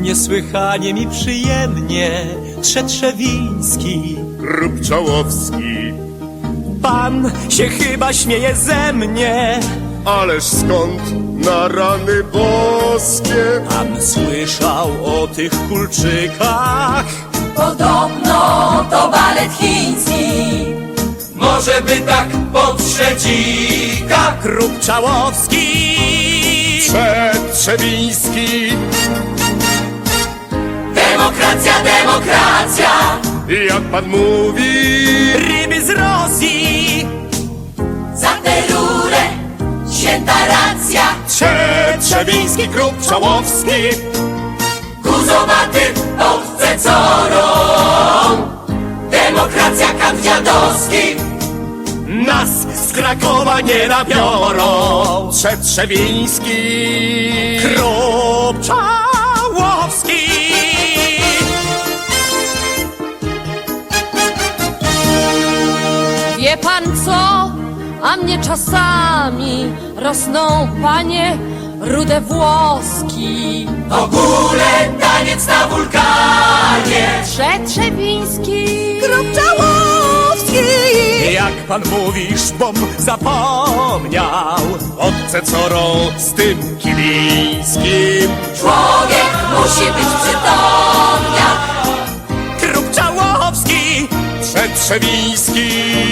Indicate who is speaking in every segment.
Speaker 1: Niesłychanie mi przyjemnie, Trzetrzewiński,
Speaker 2: Krupczałowski.
Speaker 1: pan się chyba śmieje ze mnie.
Speaker 2: Ależ skąd na rany boskie?
Speaker 1: Pan słyszał o tych kulczykach?
Speaker 3: Podobno to balet chiński.
Speaker 1: Może by tak po trzecika. Krupczałowski,
Speaker 2: Trzetrzewiński.
Speaker 3: Demokracja, demokracja.
Speaker 2: Jak pan mówi?
Speaker 1: ryby z Rosji.
Speaker 3: Za tę rurę święta racja.
Speaker 2: Trzetrzewiński, Krupczałowski.
Speaker 3: Guzowaty owce corą. Demokracja, kant dziadowski.
Speaker 1: Nas z Krakowa nie nabiorą.
Speaker 2: Trzetrzewiński.
Speaker 1: Krupczałowski.
Speaker 4: Wie pan co? A mnie czasami rosną, panie, rude włoski.
Speaker 3: W ogóle taniec na wulkanie.
Speaker 4: Trzetrzewiński,
Speaker 1: Jak pan mówisz, bom zapomniał.
Speaker 2: Owce corą z tym Kilińskim.
Speaker 3: Człowiek musi być przytomnia.
Speaker 1: Krupczałowski,
Speaker 2: Trzetrzewiński.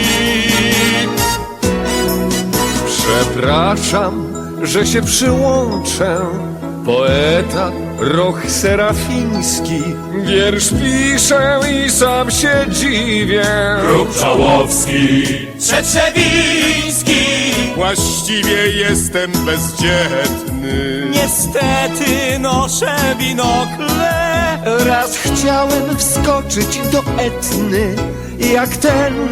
Speaker 2: Przepraszam, że się przyłączę. Poeta Roch Serafiński. Wiersz piszę i sam się dziwię.
Speaker 1: Krupczałowski, Trzetrzewiński.
Speaker 2: Właściwie jestem bezdzietny.
Speaker 1: Niestety noszę binokle.
Speaker 5: Raz chciałem wskoczyć do Etny, jak ten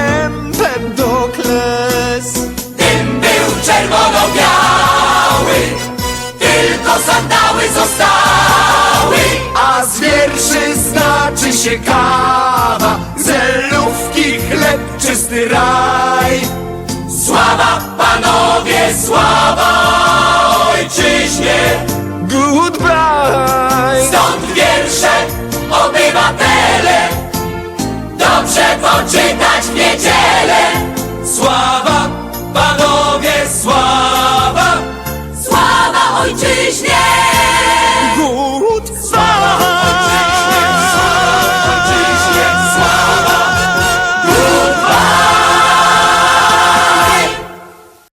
Speaker 5: Empedokles.
Speaker 3: Dym był czerwono-biały, tylko sandały zostały.
Speaker 5: A z wierszy znaczy się kawa, zelówki, chleb, czysty raj.
Speaker 3: Sława panowie, sława ojczyźnie.
Speaker 5: Goodbye!
Speaker 3: Stąd wiersze, obywatele, dobrze poczytać w niedzielę. Sława panowie.